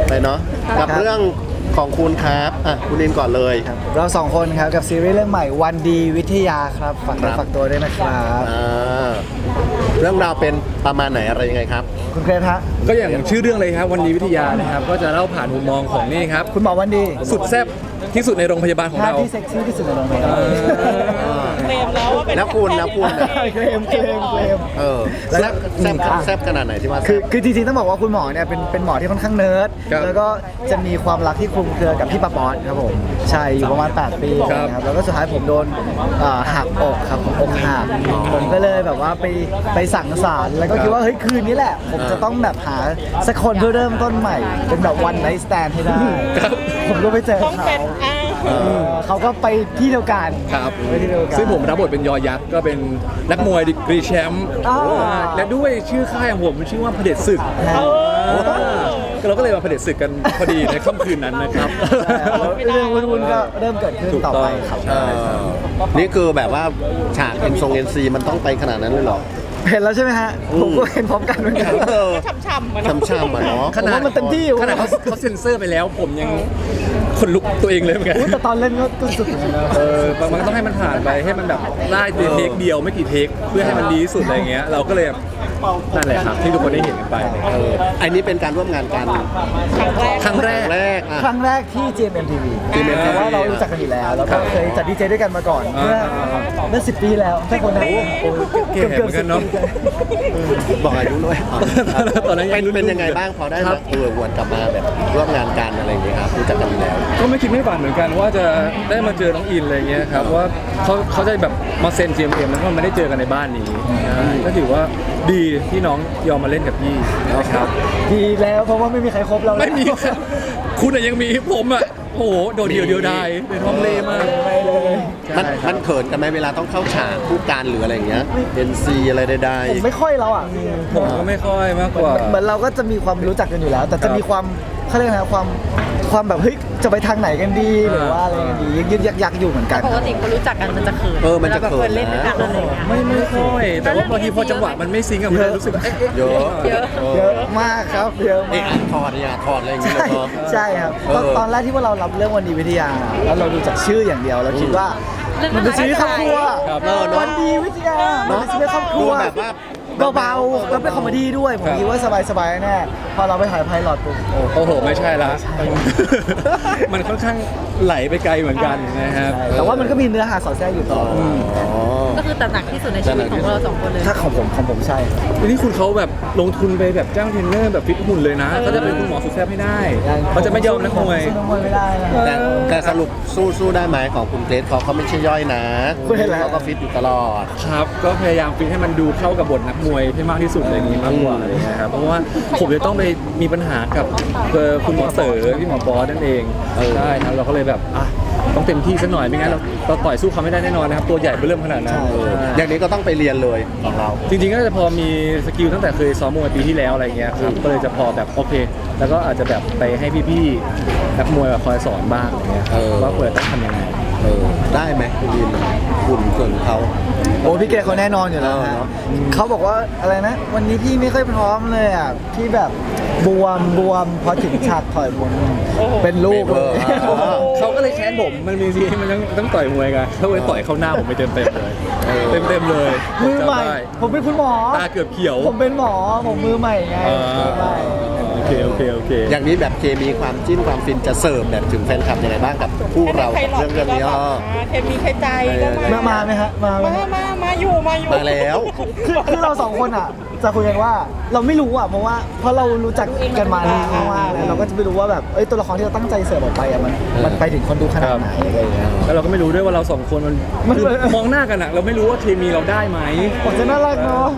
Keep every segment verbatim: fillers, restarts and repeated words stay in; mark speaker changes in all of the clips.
Speaker 1: ไปเนาะกับเรื่องของคุณครับอ่ะคุณอินก่อนเลย
Speaker 2: เราสองคนครับกับซีรีส์เรื่องใหม่วันดีวิทยาครับฝากตัวฝากตัวด้วยนะครับ
Speaker 1: เรื่องราวเป็นประมาณไหนอะไรยังไงครับ
Speaker 2: คุณเครทฮะ
Speaker 3: ก็อย่างชื่อเรื่องเลยครับวันดีวิทยานะครับก็จะเล่าผ่านมุมมองของนี่ครับ
Speaker 2: คุณหมอวันดี
Speaker 3: สุดแซ่บที่สุดในโรงพยาบาลของเรา
Speaker 2: ที่เซ็กซี่ที่สุดในโรงพยาบาล
Speaker 1: เคลมแล้วว่าเป็นแล้วคุณแล้วคุณ
Speaker 2: เคลมเคลมเคลม
Speaker 1: เออแซ่บแซ่บแซ่บขนาดไหนที่ว่า
Speaker 2: คือคือจริงๆต้องบอกว่าคุณหมอเนี่ยเป็นเป็นหมอที่ค่อนข้างเนิร์ดแล้วก็จะมีความรักที่คลุมเครือกับพี่ปาป๊อตครับผมใช่อยู่ประมาณแปดปีนะครับแล้วก็สุดท้ายผมโดนหักอกครับผมอกหักผมก็เลยแบบว่าไปไปสั่งสารแล้วก็คิดว่าเฮ้ยคืนนี้แหละผมจะต้องแบบหาสักคนเพื่อเริ่มต้นใหม่เป็นแบบวันไนท์สแตนให้ได้ผมก็ไปเจอเขาเขาก็ไปที่เดียวกัน
Speaker 3: ครับซึ่งผมรับบทเป็นยอยักษ์ก็เป็นนักมวยดีกรีแชมป์และด้วยชื่อค่ายของผมชื่อว่าเผด็จศึกเราก็เลยมาเผด็จศึกกันพอดีในค่ำคืนนั้นนะครับ
Speaker 2: เรื่องวุ่นๆก็เริ่มเกิดขึ้นต่อไปครับ
Speaker 1: นี่คือแบบว่าฉากเอ็นทรงเอ็นซีมันต้องไปขนาดนั้นเลยหรอ
Speaker 2: เห็นแล้วใช่ไหมฮะผมก็เห็นพร้อมกันเหมือนกัน
Speaker 1: ช่ำๆมันช่ำๆเนาะ
Speaker 3: ขนาด
Speaker 2: มันเต็มที่อยู่
Speaker 3: ขนาดเขาเซ็นเซอร์ไปแล้วผมยังขนลุกตัวเองเลยเหมือนกัน
Speaker 2: แต่ตอนเล่นก็สุดนะ
Speaker 3: เออบางต้องให้มันผ่านไปให้มันแบบได้เทคเดียวไม่กี่เทคเพื่อให้มันดีที่สุดอะไรเงี้ยเราก็เลยนั่นแหละครับที่ทุกคนได้เห็นกันไป
Speaker 1: เอออันนี้เป็นการร่วมงานกัน
Speaker 3: ครั้งแรก
Speaker 1: แรก
Speaker 2: ครั้งแรกที่ จี เอ็ม เอ็ม ที วี เพราะว่าเรารู้จักกันอยู่แล้วแล้วก็เคยจัดดีเจด้วยกันมาก่อนเมื่อเมื่อสิบปีแล้วถ้าคนนั้น
Speaker 3: เกือบเกือบกันเนาะ
Speaker 1: บอกอายุด้วยตอนนั้นเป็นยังไงบ้างพอได้มาเออวนกลับมาแบบร่วมงานกันอะไรอย่างเงี้ยครับรู้จักกันแล้ว
Speaker 3: ก็ไม่คิดไม่ฝันเหมือนกันว่าจะได้มาเจอน้องอินอะไรเงี้ยครับว่าเขาเขาจะแบบมาเซ็น จี เอ็ม เอ็ม แล้วก็ไม่ได้เจอกันในบ้านนี้ก็ถือว่าดีที่น้องยอมมาเล่นกับพี่นะครับ
Speaker 2: ดีแล้วเพราะว่าไม่มีใครครบเรา
Speaker 3: ไม่มีคุณยังมีผมอ่ะโอ้โหโดดเดียวเดียวได้เป็นท้องเล่มาก
Speaker 1: มันมันเขินกันไหมเวลาต้องเข้าฉากคู่กันหรืออะไรอย่างเงี้ยเอ็นซีอะไรใด
Speaker 2: ๆผมไม่ค่อยแล้วอ่ะ
Speaker 3: ผมก็ไม่ค่อยมากกว่า
Speaker 2: เหมือนเราก็จะมีความรู้จักกันอยู่แล้วแต่จะมีความเขาเรียกอะไรความความแบบเฮ้ยจะไปทางไหนกันดีหรือว่าอะไรกันดียึกยักยักอยู่เหมือนกัน
Speaker 4: ปกติคนรู้จักกันมันจะเขิน
Speaker 1: เออมันจะเขิน
Speaker 4: เล่นด้วยกันอะไรอย่างเงี้ย
Speaker 3: ไม่ไม่ค่อยแต่ว่าบางทีพอจังหวะมันไม่ซิงก์อะมันรู้สึก
Speaker 1: เยอะ
Speaker 2: เยอะเยอะมากครับเยอะมาก
Speaker 1: ถอดเนี่ยถอดอะไรอย่างเงี้ย
Speaker 2: ใช่ครับตอนแรกที่ว่าเรารับเรื่องวันดีวิทยาแล้วเราดูจากชื่ออย่างเดียวเราคิดว่ามันเป็นชีวิตครอบครัววันดีวิทยามันเป็นชีวิตครอบครัว
Speaker 1: แบบว่า
Speaker 2: เบาๆแล้วเป็นคอมเมดี้ด้วยผมคิดว่าสบายๆแน่พอเราไปถ่ายไพลอตปุ๊บ
Speaker 3: โอ้โหไม่ใช่ละมันค่อนข้างไหลไปไกลเหมือนกันนะครับ
Speaker 2: แต่ว่ามันก็มีเนื้อหาสอดแทรกอยู่ต่อ
Speaker 4: ก็คือตระหนักที่สุดในชีวิตของเราสองคนเลย
Speaker 2: ถ้าของผมของผมใช่
Speaker 3: ทีนี้คุณเขาแบบลงทุนไปแบบจ้างเทรนเนอร์แบบฟิตหุ่นเลยนะเขาจะเป็นคุณหมอสุดแซ่บไม่ได้เขาจะไม่ยอมนักมวย
Speaker 1: แต่แต่สรุปสู้สู้ได้ไหมของคุณเกรซเขาเขาไม่ใช่ย่อยนะเขาก็ฟิตอยู่ตลอด
Speaker 3: ครับก็พยายามฟิตให้มันดูเข้ากับบทนักมวยให้มากที่สุดอะไรอย่างนี้มากกว่าอะไรเงี้ยครับเพราะว่าผมจะต้องไปมีปัญหากับคุณหมอเต๋อพี่หมอบอสนั่นเองใช่ครับเราก็เลยแบบอ่ะต้องเต็มที่สักหน่อยไม่งั้นเราเราต่อยสู้เขาไม่ได้แน่นอนนะครับตัวใหญ่เริ่มขนาดนั้น
Speaker 1: อย่างนี้ก็ต้องไปเรียนเลยของเรา
Speaker 3: จริงๆก็จะพอมีสกิลตั้งแต่เคยซ้อมมวยปีที่แล้วอะไรเงี้ยครับก็เลยจะพอแบบโอเคแล้วก็อาจจะแบบไปให้พี่ๆนักมวยคอยสอนบ้างอะไรเงี้ยว่าควรต้องทำยังไง
Speaker 1: เออได้ไหมคุณยินคุณส่วนเขา
Speaker 2: โอ้พี่เกศเขาแน่นอนอยู่แล้วนะเขาบอกว่าอะไรนะวันนี้พี่ไม่ค่อยพร้อมเลยอ่ะพี่แบบบวมบวมพอถึงฉากต่อยมวยเป็นลูกเลย
Speaker 3: เขาก็เลยแค้นผมมันมีซีมันต้องต้องต่อยมวยกันเขาเลยต่อยเข้าหน้าผมไปเต็มเต็มเลยเต็มเต็มเลย
Speaker 2: มือใหม่ผมเป็นคุณหมอ
Speaker 3: ตาเกือบเขียว
Speaker 2: ผมเป็นหมอผมมือใหม่ไง
Speaker 3: โอเคโอเคโอเค
Speaker 1: อย่างนี้แบบเคมีความจิ้นความฟินจะเสิร์ฟแบบถึงแฟนคลับยังไงบ้างกับคู่เราเรื่องเรื่องนี้อ๋อ
Speaker 4: เคมีใครใจ
Speaker 2: ก็มามาไหมฮะมา
Speaker 4: มามามาอยู่มาอยู่
Speaker 1: มาแล้ว
Speaker 2: คือคือเราสองคนอ่ะจะคุยกันว่าเราไม่รู้อ่ะเพราะว่าเพราะเรารู้จักกันมานานมากแล้วเราก็จะไม่รู้ว่าแบบเอ้ยตัวละครที่เราตั้งใจเสิร์ฟออกไปอ่ะมันมันไปถึงคนดูขนาดไหนอะไรอย่างเงี้ย
Speaker 3: แล้วเราก็ไม่รู้ด้วยว่าเราสองคนมันมองหน้ากันอ่ะเราไม่รู้ว่าเคมีเราได้ไหม
Speaker 2: ผมจะน่ารักเนาะ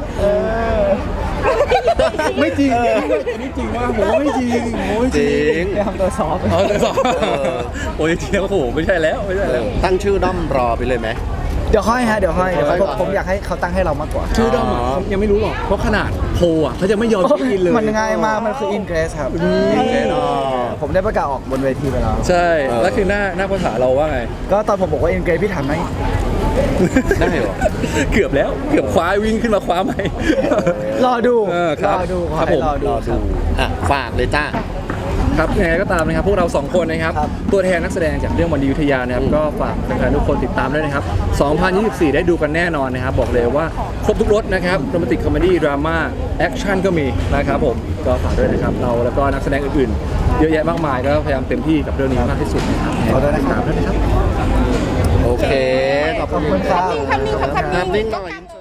Speaker 3: ไม่จริงไม่จริงว่าผมไม่จริงไม่จริง
Speaker 2: ทำตัวซอฟต์
Speaker 3: อ๋อตัวซอฟต์โอ้ยจริงโอ้โหไม่ใช่แล้วไม่ใช่แล้ว
Speaker 1: ตั้งชื่อด้อมรอไปเลยไหม
Speaker 2: เดี๋ยวค่อยฮะเดี๋ยวค่อยเดี๋ยวผมอยากให้เขาตั้งให้เรามากกว่า
Speaker 3: ชื่อด้อมยังไม่รู้หรอกเพราะขนาดโพอ่ะเขาจะไม่ยอมกินเลย
Speaker 2: มันง่ายมากมันคืออินเกรสครับผมได้ประกาศออกบนเวทีไปแล้ว
Speaker 3: ใช่แล้วคือหน้าหน้าภาษาเราว่าไง
Speaker 2: ก็ตอนผมบอกว่าอินเกรสพี่ถามไหม
Speaker 1: ได้เหรอ
Speaker 3: เกือบแล้วเกือบคว้าวิ่งขึ้นมาคว้าไหม
Speaker 2: รอดู
Speaker 3: รอ
Speaker 2: ดู
Speaker 3: ครับผม
Speaker 1: รอดูอ่ะฝากเลยจ้า
Speaker 3: ครับยังไงก็ตามนะครับพวกเราสองคนนะครับ
Speaker 2: ครับ
Speaker 3: ตัวแทนนักแสดงจากเรื่องวันดีวิทยานะครับก็ฝากแฟนๆทุกคนติดตามด้วยนะครับสองพันยี่สิบสี่ได้ดูกันแน่นอนนะครับบอกเลยว่าครบทุกรสนะครับโรแมนติกคอมเมดี้ดราม่าแอคชั่นก็มีนะครับผมก็ฝากด้วยนะครับเราแล้วก็นักแสดงอื่นๆเยอะแยะมากมายก็พยายามเต็มที่กับเรื่องนี้มากที่สุดนะครับ
Speaker 2: ขอด้วยนะครับ
Speaker 3: ติดตามด้วยนะครับ
Speaker 1: โอเคขอบ
Speaker 2: ขอบ
Speaker 1: คุ
Speaker 2: คุณ ณครับ
Speaker 1: ภาพนิ่งหน่อย